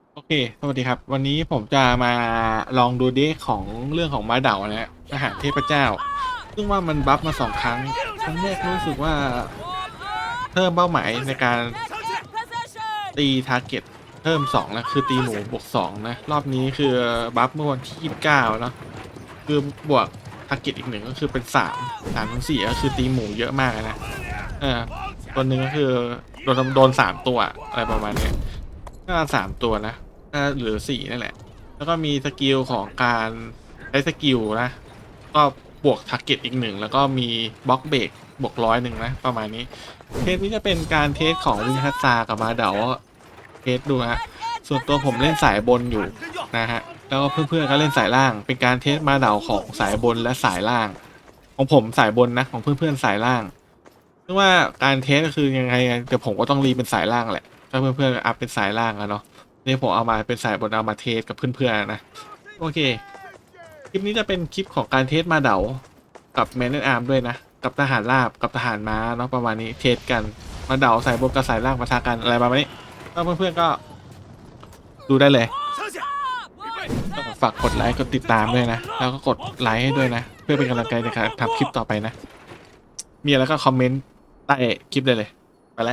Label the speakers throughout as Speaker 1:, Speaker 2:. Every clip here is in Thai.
Speaker 1: โอเค สวัสดีครับ วันนี้ผมจะมาลองดูเดคของเรื่องของมาเดานะฮะทหารเทพเจ้า ซึ่งว่ามันบัฟมา2 ครั้ง ครั้งแรกรู้สึกว่าเพิ่มเป้าหมายในการตีทาร์เก็ตเพิ่ม2นะคือตีหมูบวก2นะ รอบนี้คือบัฟเมื่อวันที่29เนาะคือบวกทาร์เก็ตอีก1ก็คือเป็น3 ถึง 4ก็คือตีหมูเยอะมากนะตัวหนึ่งก็คือโดน3 ตัวอะไรประมาณนี้ก็3 ตัวนะหรือ4นั่นแหละแล้วก็มีสกิลของการใช้สกิลนะก็บวกทาร์เก็ตอีก1แล้วก็มีบล็อกเบรกบวก100นะประมาณนี้เทสนี้จะเป็นการเทสของวินทัสซากับมาเดาเทสดูฮะส่วนตัวผมเล่นสายบนอยู่นะฮะแล้วก็เพื่อนๆก็เล่นสายล่างเป็นการเทสมาเดาของสายบนและสายล่างของผมสายบนนะของเพื่อนๆสายล่างซึ่งว่าการเทสก็คือยังไงเดี๋ยวผมก็ต้องรีเป็นสายล่างแหละถ้าเพื่อนๆอัพเป็นสายล่างอะเนาะนี่ผมเอามาเป็นสายบนเอามาเทสกับเพื่อนๆนะโอเคคลิปนี้จะเป็นคลิปของการเทสมาเดากับแมนแอนอาร์มด้วยนะกับทหารราบกับทหารม้าเนาะประมาณนี้เทสกันมาเดาสายบนกับสายล่างปะทะกันอะไรประมาณนี้ก็เพื่อนๆก็ดูได้เลยฝากกดไลค์กดติดตามด้วยนะแล้วก็กดไลค์ให้ด้วยนะเพื่อเป็นกำลังใจในการทำคลิปต่อไปนะมีอะไรก็คอมเมนต์ใต้คลิปได้เลยไปแล้ว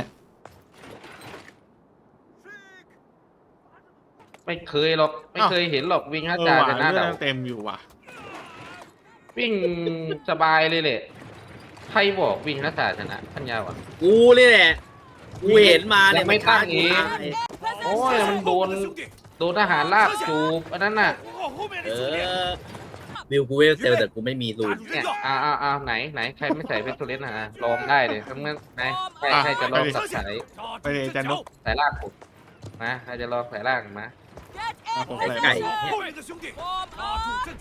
Speaker 2: ไม่เคยหรอกไม่เคยเห็นหรอกวิ่งห้าจาชนะ
Speaker 1: เรื่
Speaker 2: เดา
Speaker 1: องเต็มอยู่ว่ะ
Speaker 2: วิ่งสบายเลยแหละใครบอกวิ่งห้าจาชนะพันยาวอ่ะ
Speaker 3: กูนี่แหละ กูเห็นมาเนี่ย
Speaker 2: ยังไม่ตั้งเอง
Speaker 3: ตาย
Speaker 2: โอ้ยมันโดนทหารลากจูบอันนั้นน่ะ
Speaker 3: เออวิวกูเวลเซลแต่กูไม่มีรูน
Speaker 2: เนี่ยไหนใครไม่ใส่เป็นตัวเล่นนะลองได้เลยทั้งนั้นไหนใครจะลองสับสาย
Speaker 1: ไปเลยอาจารย์นก
Speaker 2: สายลากผมมาใครจะลองสายลากมา
Speaker 1: ผม
Speaker 3: ไอ้
Speaker 1: ใส่
Speaker 3: ไก่เนี่ย
Speaker 4: 后面的兄弟，拉住阵脚，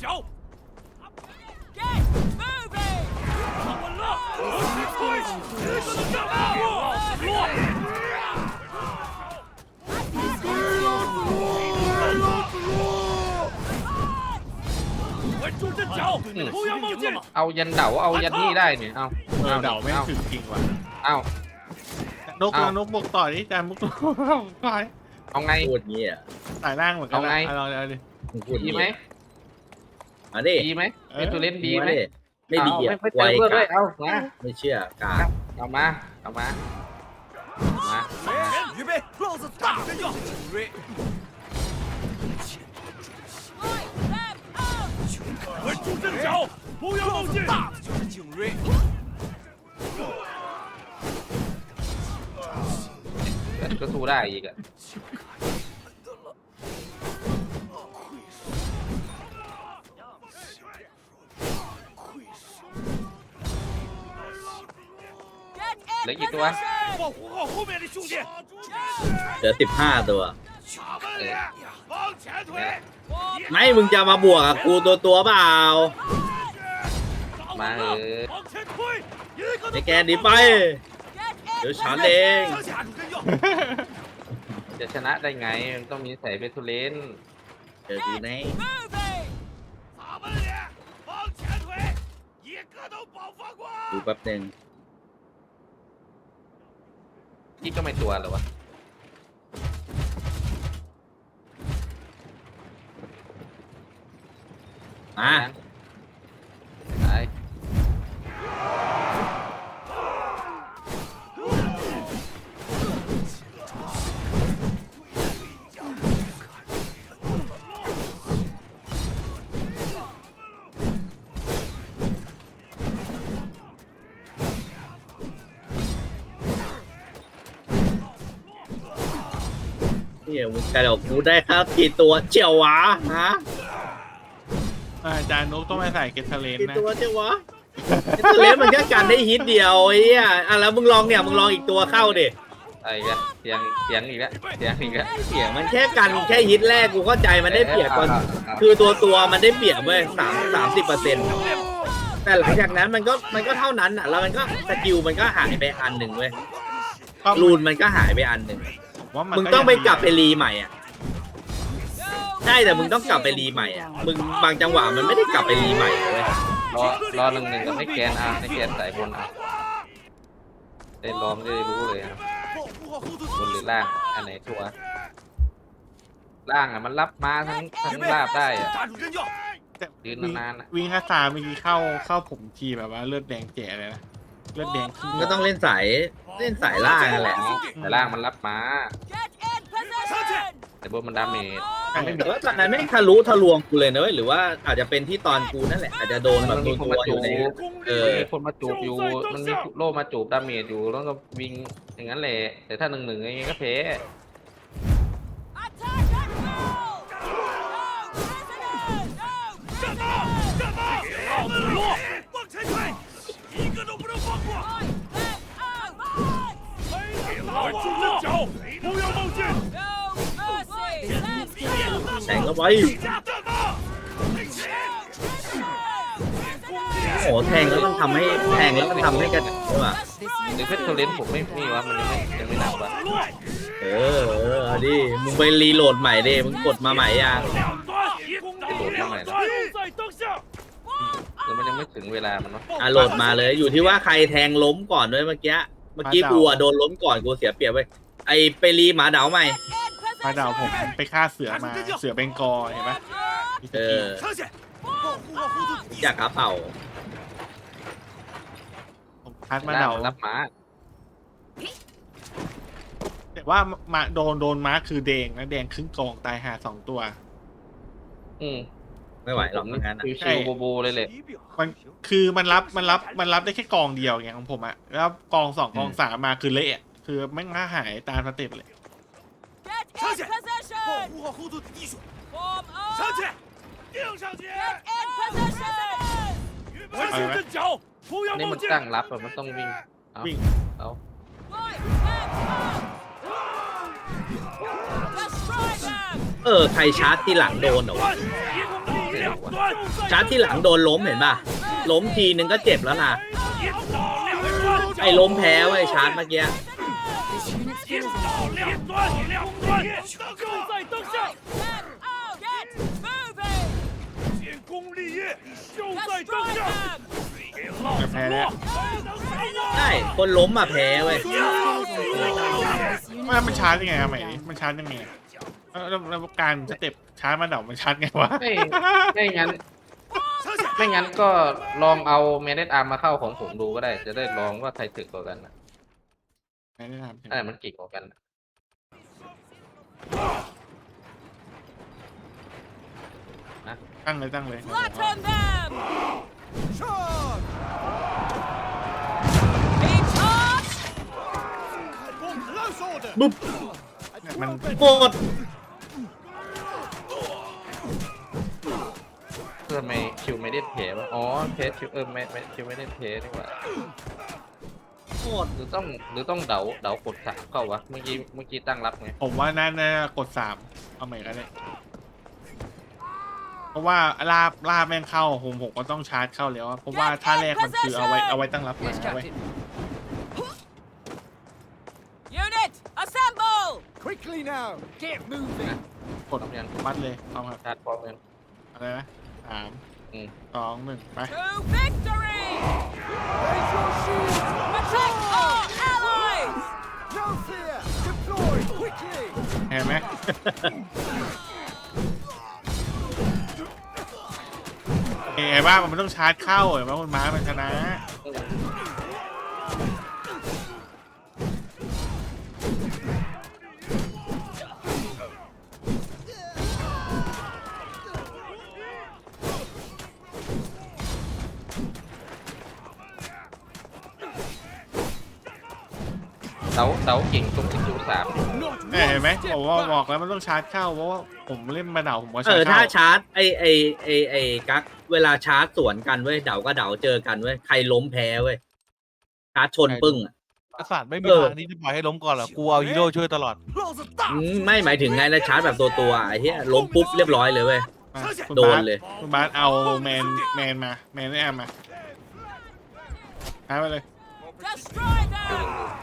Speaker 4: 站稳了，我去推，一个都上不落。稳住阵脚，不要冒进。
Speaker 2: เอายันเดาเอายันนี่ได้เนี่ยเอา
Speaker 1: เดาไม่ถึงจริงว่ะ
Speaker 2: เอา
Speaker 1: นกนกบวกต่อดิอาจารย์มุกต่อย
Speaker 2: เอาไง
Speaker 3: พูดงี้อ่ะ
Speaker 1: สายล่างเหมือนกัน
Speaker 2: เอาไง
Speaker 1: เอาดิ
Speaker 3: มึงพูด
Speaker 2: ดี
Speaker 3: งี้
Speaker 2: ไหม
Speaker 3: มาดิ
Speaker 2: ดีไหมเป็นตัวเล่นดีไหม
Speaker 3: ไม่ดีอ่ะ
Speaker 2: ไม่
Speaker 3: ไว
Speaker 2: เติมเลือด
Speaker 3: กา
Speaker 2: ด้วยเอามา
Speaker 3: ไม่เชื่อกา
Speaker 2: เอามาเอามามา
Speaker 4: 预备，老子打着要。稳住阵脚，不要冒进。大的就是景睿。
Speaker 2: แต่ก็สู้ได้อีกอะเหลือกี่ตัว
Speaker 4: 保护好后面的兄弟。
Speaker 3: เหลือ15 ตัว
Speaker 4: 卡门脸，往前推。
Speaker 3: ไม่มึงจะมาบวกกับกูตัวเปล่า
Speaker 2: มาเออ
Speaker 4: 往前推，一个
Speaker 3: ไอ้
Speaker 4: 都
Speaker 3: แกหนีไป เดี๋ยวฉันเอง
Speaker 4: 上下住阵脚。
Speaker 2: จะชนะได้ไงมันต้องมีใส่เบทูเลน
Speaker 3: เจอกูแน่
Speaker 4: 卡门脸，往前推，一个都保放过。
Speaker 3: ดูแป๊บนึง
Speaker 2: นี่ก็ไม่ตัวเหรอวะ
Speaker 3: มา
Speaker 2: ไป
Speaker 3: เนี่ยมึงกระโดดกูได้ครับกี่ตัวเจียววะฮะ
Speaker 1: อาจารย์นกต้องไปใส่เกทเลน
Speaker 3: กี่
Speaker 1: นะ
Speaker 3: ตัวเจียววะไอ้ตัวเล็กมันแค่กันได้ฮิตเดียวไอ้เหี้ยอ่ะแล้วมึงลองเนี่ยมึงลองอีกตัวเข้าดิ
Speaker 2: ไอ้กเสียงอีกแล้วเสียงอีกแล้ว
Speaker 3: เสียงมันแค่กันแค่ฮิตแรกกูเข้าใจมันได้เปรียบก่อนคือตัวมันได้เปรียบเว้ย30%แต่หลังจากนั้นมันก็เท่านั้นอ่ะแล้วมันก็สกิลมันก็หายไปอันหนึ่งเว้ยรูนมันก็หายไปอันหนึ่ง
Speaker 1: ว่า
Speaker 3: มึงต้องไปกลับไปรีใหม่อ่ะใช่แต่มึงต้องกลับไปรีใหม่อ่ะมึงบางจังหวะมันไม่ได้กลับไปรีใหม่เว้ย
Speaker 2: รอหนึ่งกับไม่แกนไม่แกนสายบนได้ลองได้รู้เลยครับ
Speaker 4: 保护好后头
Speaker 2: บนหรือล่างอันไหนชัวร์ล่างอ่ะมันรับม้าทั้งลาบได้อ่ะ
Speaker 4: 站住阵脚！
Speaker 1: แต่
Speaker 2: ยืนนานๆอะ
Speaker 1: วิ่งข้าตาเมื่อกี้เข้าผมทีแบบว่าเลือดแดงแจ๋เลยนะเลือดแดงขึ้น
Speaker 3: ก็ต้องเล่นสายล่างนั่นแหละ
Speaker 2: แต่ล่างมันรับม้า
Speaker 4: 上去！
Speaker 2: แต่บนมันดาเมจ
Speaker 3: แต่ว่าตอนนั้นไม่ทะลุทะลวงกูเลยนะเว้ยหรือว่าอาจจะเป็นที่ตอนกูนั่นแหละอาจจะโดนแบบตัวอยู่ใน
Speaker 4: 攻
Speaker 3: เอ
Speaker 4: 力
Speaker 3: อ
Speaker 2: มีคนมาจูบอยู่มันมีโล่มาจูบดาเมจอยู่แล้วก็วิ่งอย่างนั้นแหละแต่ถ้า1-1อย่างงี้ก็แพ้
Speaker 4: 站住！站住！老子落！往前推！一个都不能放过！拉住阵脚，不要冒进！
Speaker 3: แต่งก็ไว้
Speaker 4: 加弹吧！
Speaker 3: โอ้โหแทงแล้วมันทำให้กันใช่ป่ะ
Speaker 2: หรือเพชรโทเลนผมไม่มีวะมันยังไม่หนักวะ
Speaker 3: เออเอาดิมึงไปรีโหลดใหม่ดิมึงกดมาใหม่ยัง
Speaker 4: 两端，攻力两端就在当下。
Speaker 2: หรือมันยังไม่ถึงเวลามันวะ
Speaker 3: อ่ะโหลดมาเลยอยู่ที่ว่าใครแทงล้มก่อนด้วยเมื่อกี้กูอ่ะโดนล้มก่อนกูเสียเปรียบเว้ยไอไปรีหมาดาวใหม่
Speaker 1: มาดาวผมไปฆ่าเสือมาเสือเบงกอลเห็นปะมีส
Speaker 3: เอ
Speaker 1: กิล
Speaker 3: อ
Speaker 4: 上去！保护好后盾！
Speaker 3: จากกระเป๋า
Speaker 1: ผมคัดมา
Speaker 2: ล่าง
Speaker 1: ดาว
Speaker 2: มันรับม้า
Speaker 1: แต่ว่ามาโดนม้าคือแดงนะแดงครึ่งกองตายหา2 ตัว
Speaker 2: อืม
Speaker 3: ไม่ไหวหรอกงั้นนะ
Speaker 2: ชิวๆโบเลยแหละ
Speaker 1: มันคือมันรับได้แค่กองเดียวไงของผมอะแล้วกอง2กอง3มาคือเละคือแม่งหายตามสเต็ปเลย
Speaker 4: 上去！保护好后盾的弟兄！上去！盯上去！维持阵脚，不要
Speaker 2: นี่
Speaker 4: 冒
Speaker 2: มัน
Speaker 4: 进！
Speaker 2: ตั้งรับอะมันต้องวิ่งเอา
Speaker 1: วิ่ง
Speaker 2: เอา
Speaker 3: ใครชาร์จที่หลังโดนเหรอวะ
Speaker 4: 攻力两端，
Speaker 3: ชาร์จที่หลังโดนล้มเห็นป่ะล้มทีนึงก็เจ็บแล้วนะ
Speaker 4: 一刀两端，
Speaker 3: ไอ้ล้มแพ้เว้ยชาร์จเมื่อกี้
Speaker 4: 一刀两端，两端就在当下，建功立业就在当下，给老子落！还能杀
Speaker 3: ใช่คนล้มมาแพ้เว้ย
Speaker 1: มันชาร์จยังไงอะใหม่นี้มันชาร์จยังไงอะแล้วการสเต็ปชาร์จมาดาวมันชาร์จไงวะ
Speaker 2: ไม่งั้นก็ลองเอาเมเนตอาร์มมาเข้าของผมดูก็ได้ จะได้ลองว่าใครถึกกว่ากันนะ
Speaker 1: ไม่ได้ทำใช่ไหม
Speaker 2: อันไหนมันเก่งกว่ากันนะ
Speaker 1: ตั้งเลย
Speaker 5: Flatten them!
Speaker 4: 上！
Speaker 5: Be charged!
Speaker 4: 看我们说的，
Speaker 3: บุ๊บ
Speaker 1: มัน
Speaker 3: หมด
Speaker 2: เพื่อไม่คิวไม่ได้เพวะอ๋อเพจคิวไม่คิวไม่ได้เพดีกว่า
Speaker 3: หมด
Speaker 2: หรือต้องเดากด3เข้าวะเมื่อกี้ตั้งรับไง
Speaker 1: ผมว่าน่ากด3เอาใหม่ก็ได้เพราะว่าลาบแม่งเข้าผมก็ต้องชาร์จเข้าแล้วอะเพราะว่าท่าแรกมันคือเอาไว้ตั้งรับมา
Speaker 5: Yes,
Speaker 1: ไว้
Speaker 5: Captain. Unit, assemble!
Speaker 4: Quickly now, get moving.
Speaker 1: กดมัดเลยเอาครับ
Speaker 2: ชาร์จพร้อมกัน
Speaker 1: อะไรนะ
Speaker 2: อืม
Speaker 1: 3 2 1ไป
Speaker 5: To victory!
Speaker 4: Raise your shields.
Speaker 5: Protect our allies!
Speaker 4: No fear. Deploy quickly.
Speaker 1: เห็นไหม เห็นว่ามันต้องชาร์จเข้าเห็นว่ามันม้ามันชนะ
Speaker 2: เดาเก่งตรงที่คิว3
Speaker 1: เห็นไหมผมว่าบอกแล้วมันต้องชาร์จเข้าเพราะว่าผมเล่นมาเดาผมก็ชาร์จ
Speaker 3: ถ้า
Speaker 1: เข้า
Speaker 3: ชาร์จไอกั๊กเวลาชาร์จสวนกันเว้ยเดาก็เดาเจอกันเว้ยใครล้มแพ้เว้ยชาร์จชนปึ้งอะ
Speaker 6: กษัตริย์ไม่มีทางที่จะปล่อยให้ล้มก่อนหรอกกูเอาฮีโร่ช่วยตลอด
Speaker 4: 老子大
Speaker 3: ไม่หมายถึงไงนะชาร์จแบบตัวไอ้เหี้ยล้มปุ๊บเรียบร้อยเลยเว้ย
Speaker 1: อ่ะคุณ
Speaker 3: โด
Speaker 1: บาน ส
Speaker 3: เลย
Speaker 1: คุณบาสเอาแมนมาแมนไม่แอมมาหายไปเลย
Speaker 5: Destroy them!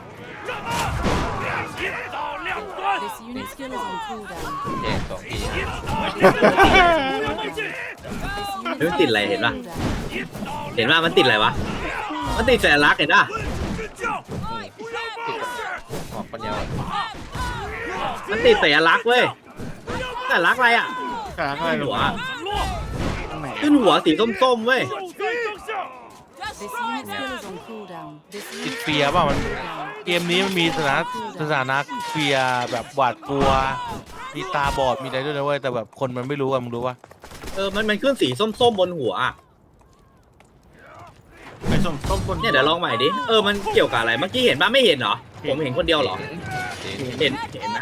Speaker 4: 一刀两端，
Speaker 7: This unit skill is on cooldown.
Speaker 2: แจก2ที
Speaker 4: 一刀两端，不要冒进。
Speaker 7: This unit
Speaker 3: เฮ้ยมันติดอะไร
Speaker 7: skill is
Speaker 3: เห็น
Speaker 7: on
Speaker 3: ป่ะ
Speaker 7: cooldown.
Speaker 4: 一刀
Speaker 3: เห็นว่ามันติดอะไรวะมันติดสัญลักษณ์เห็นป่ะ
Speaker 4: 阵脚，
Speaker 2: ออกปัญญา
Speaker 3: มันติดสัญลักษณ์เว้ย
Speaker 4: 不要冒
Speaker 3: แต่รักอะไรอ่ะ
Speaker 1: กลางอะไรหร
Speaker 3: หัว
Speaker 1: อตรงไหน
Speaker 3: ขึ้นหัวสีส้มๆเว้ย
Speaker 7: This unit skill is on cooldown. This
Speaker 6: ติด
Speaker 7: unit
Speaker 6: เฟียร์เปล่ามัน
Speaker 7: cooldown.
Speaker 6: เกมนี้มันมีสถานะเฟียร์แบบหวาดกลัว มีตาบอดมีอะไรด้วยนะเว้ยแต่แบบคนมันไม่รู้อะมึงรู้ปะ
Speaker 3: มันขึ้นสีส้มๆบนหัวอะ
Speaker 1: ไอ้ส้มบน
Speaker 3: เนี่ยเดี๋ยวลองใหม่ดิมันเกี่ยวกับอะไรเมื่อกี้เห็นปะไม่เห็นเหรอผมเห็นคนเดียวเหรอเห็นนะ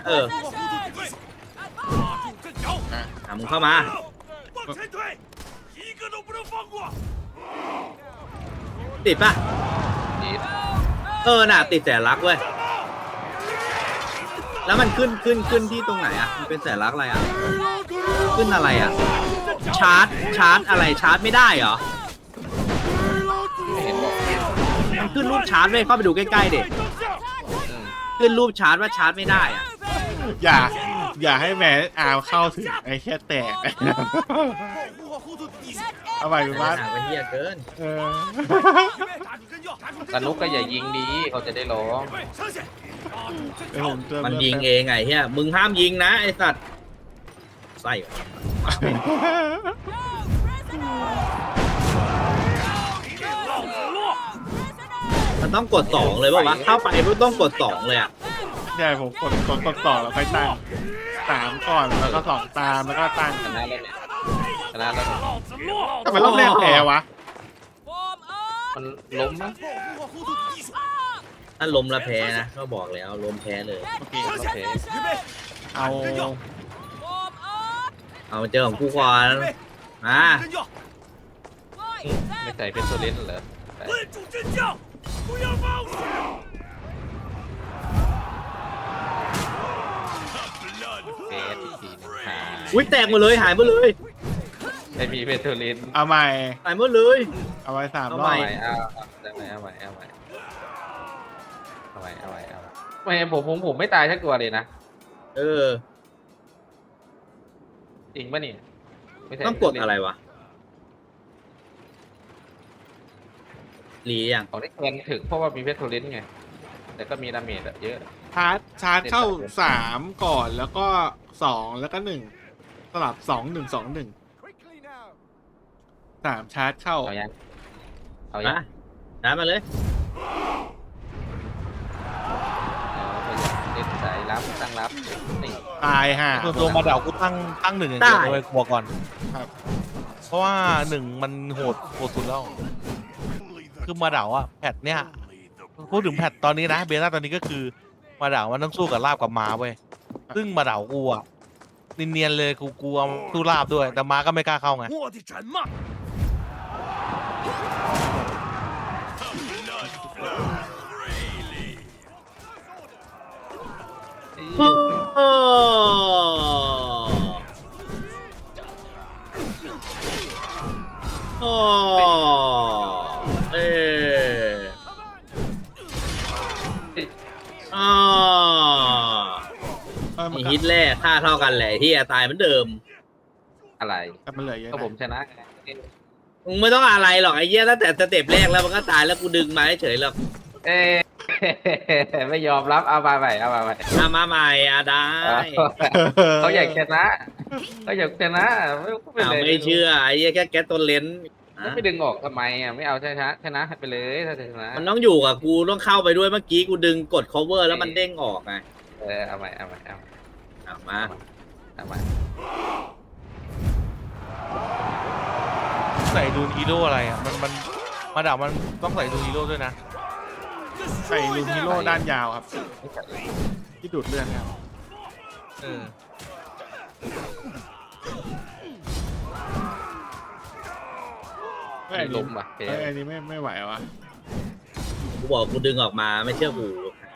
Speaker 3: มึงเข้ามา
Speaker 4: 往前推，一个都不能放过。
Speaker 3: ติดปะ
Speaker 2: ดีด
Speaker 3: น่ะติดแสลักเว้ยแล้วมันขึ้นที่ตรงไหนอ่ะมันเป็นแสลักอะไรอ่ะขึ้นอะไรอ่ะชาร์จอะไรชาร์จไม่ได้เหรอ
Speaker 2: ไม่เห็นบอก
Speaker 3: มันขึ้นรูปชาร์จเว้ยเข้าไปดูใกล้ๆดิ
Speaker 2: อืม
Speaker 3: ขึ้นรูปชาร์จว่าชาร์จไม่ได้อ่ะ
Speaker 1: อย่าให้แม่อาเข้าถึงไอ้แค่แตกเอาไปดูบ้าน
Speaker 3: หนักไปเหี้ยเกิน
Speaker 2: สนุกก็อย่ายิงดีเขาจะได้ร้อง
Speaker 1: ไอ้ผมเจอ
Speaker 3: มันยิงเองไงเฮียมึงห้ามยิงนะไอ้สัตว์ไส้มันต้องกด2เลยป่าววะเข้าไปมันต้องกด2เลยอ่ะ
Speaker 1: ใช่ผมกดต่อแล้วค่อยตั้ง3ก่อนแล้วก็2ตามแล้วก็ตั้ง
Speaker 2: ชนะแล้วเนี่ยชนะแล้วเนี่ย
Speaker 1: ทำไมรอบแรกแพ้วะ
Speaker 5: Form up.
Speaker 2: มันล้มมั้ง
Speaker 3: ถ้าล้มแล้วแพ้นะก็บอกแล้วล้มแพ้เลย
Speaker 1: โอเค
Speaker 2: โอเค
Speaker 1: เอา
Speaker 5: Form up.
Speaker 3: เอาเจอของกูก่อนมา
Speaker 5: Right.
Speaker 2: ไม่ใส่เป็นโซเลนเหรอใส่
Speaker 4: 稳住阵脚，不要冒险。
Speaker 2: เฟสอีกทีหนึงหาย
Speaker 3: อุ้ยแตกหมดเลยหายหมดเลย
Speaker 2: ไม่มีเป็นโซเลน
Speaker 1: เอาใหม่
Speaker 3: หายหมดเลย
Speaker 1: เอาไว้3
Speaker 3: เอา
Speaker 1: ร
Speaker 3: ให
Speaker 1: อ
Speaker 3: ม่
Speaker 1: บ
Speaker 2: เอาใหม่ไม่ผมไม่ตายสักตัวเลยนะ
Speaker 3: เออ
Speaker 2: จริงปะเนี่ยไม่ใช่
Speaker 3: ต้องกดอะไรวะรียัง
Speaker 2: ของได้แคนถึงเพราะว่ามีเพชรโทเลนไงแต่ก็มีดาเมจอะเยอะ
Speaker 1: ชาร์จเข้า3ก่อนแล้วก็2แล้วก็1สลับ2-1-2-1 3ชาร์จเข้า
Speaker 2: เอายังเอา
Speaker 3: มาได้มาเลย
Speaker 2: เล่นสายรับตั้งรับนี่
Speaker 1: ตายห่า
Speaker 6: ตัวมาเดากูตั้ง1อย่างเดียวเลยบอกก่อน
Speaker 1: ครับ
Speaker 6: เพราะว่า1มันโหดสุดแล้วคือมาเดาอะแพทเนี้ยพูดถึงแพทตอนนี้นะเบต้าตอนนี้ก็คือมาเดามันต้องสู้กับลาบกับม้าเว้ยซึ่งมาเดากูอะเนียนๆเลยกูกลัวสู้ลาบด้วยแต่ม้าก็ไม่กล้าเข้าไง
Speaker 4: 我的战马，
Speaker 3: โอ้โอ้เอออ๋อ
Speaker 1: มัน
Speaker 3: ฮิตแรกค่าเท่ากันแหละที่ตายเหมือนเดิม
Speaker 2: อะไร
Speaker 1: มันเหลือเยอะ
Speaker 2: ก็
Speaker 1: นะ
Speaker 2: ผมชนะ
Speaker 3: มึงไม่ต้องอะไรหรอกไอ้เหี้ยตั้งแต่สเต็ปแรกแล้วมันก็ตายแล้วกูดึงมาเฉยๆหรอก
Speaker 2: เอ้ไม่ยอมรับเอามาใหม่เอามาใหม่
Speaker 3: มาใหม่ได้
Speaker 2: เขาอยากชนะเขาอยากชนะไม่เป็นไร
Speaker 3: ไม่เชื่อไอ้เหี้ยแค่แก๊สตัวเลนส์
Speaker 2: ไม่ดึงออกทำไมอ่ะไม่เอาชนะไปเลยถ้าจะชนะ
Speaker 3: มันต้องอยู่กับกูต้องเข้าไปด้วยเมื่อกี้กูดึงกด cover แล้วมันเด้งออกไง
Speaker 2: เอาใหม่เอา
Speaker 3: มา
Speaker 2: เอาใหม่
Speaker 6: ใส่ดูฮีโร่อะไรอ่ะมันมาเดามันต้องใส่ดูฮีโร่ด้วยนะ
Speaker 1: ใส่ลูมิโร่ด้านยาวครับ ที่ดูดเลือดครับ
Speaker 6: เออ
Speaker 1: อันนี้
Speaker 2: ล้มว่ะ
Speaker 1: อันนี้ไม่ไหววะ
Speaker 3: กูบอกกูดึงออกมาไม่เชื่อกู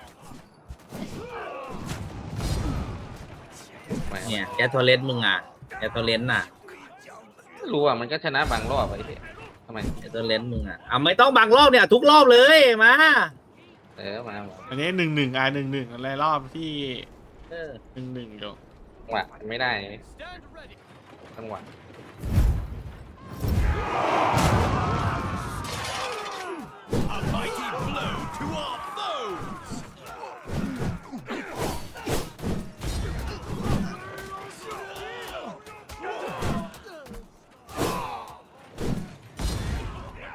Speaker 3: เนี่ยแก๊สตัวเลนส์มึงอ่ะแก๊สตัวเลนส์น่ะ
Speaker 2: รู้อ่ะมันก็ชนะบางรอบไปทำไม
Speaker 3: แก๊สตัวเลนส์มึงอ่ะไม่ต้องบางรอบเนี่ยทุกรอบเลยมา
Speaker 2: มา
Speaker 1: อันนี้1-1 อะไรรอบที่
Speaker 3: เออ
Speaker 1: 1-1อยู่
Speaker 2: จังหวะไม่ได้จังหวะ
Speaker 4: A mighty blow to our foes.
Speaker 3: เ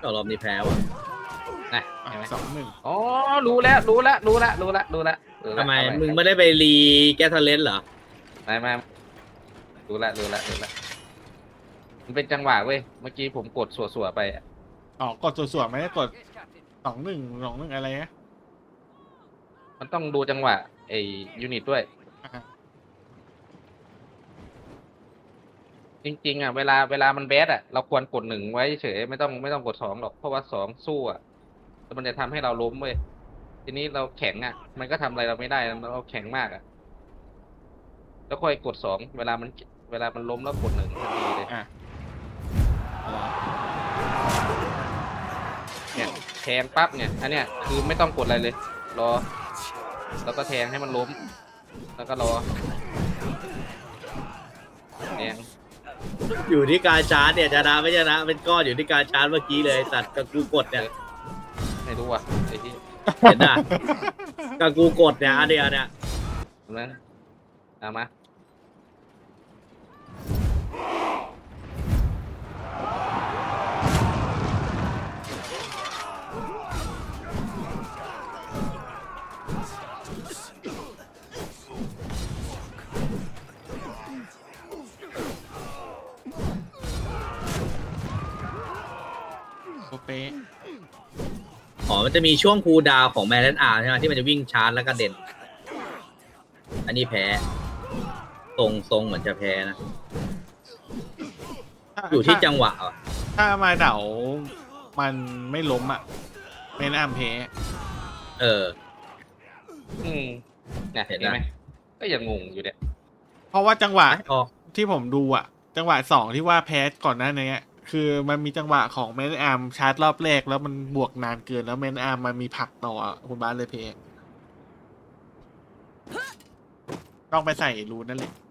Speaker 3: ก็รอบนี้แพ้ว่ะ
Speaker 2: นะเห็นไหม
Speaker 1: 2-1
Speaker 2: อ๋อรู้แล้วรู้แล้วรู้แล้วรู้แล้วรู้แล้วรู้แล้ว
Speaker 3: ทำไม
Speaker 2: เอาว้
Speaker 3: มึงไม่ได้ไปรีแกสเลนเหรอ
Speaker 2: ไม่รู้แล้วรู้แล้วรู้แล้วมันเป็นจังหวะเว้ยเมื่อกี้ผมกดสัวๆไปอะ
Speaker 1: อ๋อกดส่วนๆไม่ได้กด 2-1 อะไรนะ
Speaker 2: มันต้องดูจังหวะไอ้ยูนิตด้วย
Speaker 1: อ่า
Speaker 2: จริงๆอ่ะเวลามันแบดอ่ะเราควรกดหนึ่งไว้เฉยไม่ต้องกดสองหรอกเพราะว่าสองสู้อ่ะแล้วมันจะทำให้เราล้มเว้ยทีนี้เราแข็งอ่ะ มันก็ทำอะไรเราไม่ได้เราแข็งมากอ่ะแล้วค่อยกดสองเวลามันล้มแล้วกดหนึ่งทันทีเลย
Speaker 1: อ่ะ
Speaker 2: เนี่ยแทงปั๊บเนี่ยอันเนี้ยคือไม่ต้องกดอะไรเลยรอแล้วก็แทงให้มันล้ม แล้วก็รอแทง
Speaker 3: อยู่ที่การชาร์จเนี่ยชนะไม่ชนะเป็นก้อนอยู่ที่การชาร์จเมื่อกี้เลยสัตว์กับกูกดเนี่ย
Speaker 2: ไม่รู้อ่ะไอ้ที่
Speaker 3: เห็นน่ะกับกูกดเนี่ยอันเดียวเนี่ย
Speaker 2: ตรงนั้นเอามา
Speaker 1: โอเป๊ะ
Speaker 3: อ๋อมันจะมีช่วงคูลดาวน์ของแมนอาร์ใช่ไหมที่มันจะวิ่งชาร์จแล้วก็เด่น อันนี้แพ้ทรงเหมือนจะแพ้นะ อยู่ที่จังหวะอ่ะ
Speaker 1: ถ้ามาเดามันไม่ล้มอ่ะเป็นอัมเพ
Speaker 3: เออ
Speaker 2: เนี่ย
Speaker 3: เห็
Speaker 2: เห็
Speaker 3: น
Speaker 2: น
Speaker 3: ไหม
Speaker 2: ไหมก็ยังงงอยู่เนี่ย
Speaker 1: เพราะว่าจังหวะ
Speaker 3: ออก
Speaker 1: ที่ผมดูอ่ะ จังหวะ2ที่ว่าแพ้ก่อนหน้านี้คือมันมีจังหวะของแมนอาร์มชาร์จรอบแรกแล้วมันบวกนานเกินแล้วแมนอาร์มมันมีผลักต่ออะคุณบ้านเลยเพต้องไปใส่รูนนั่นแหละ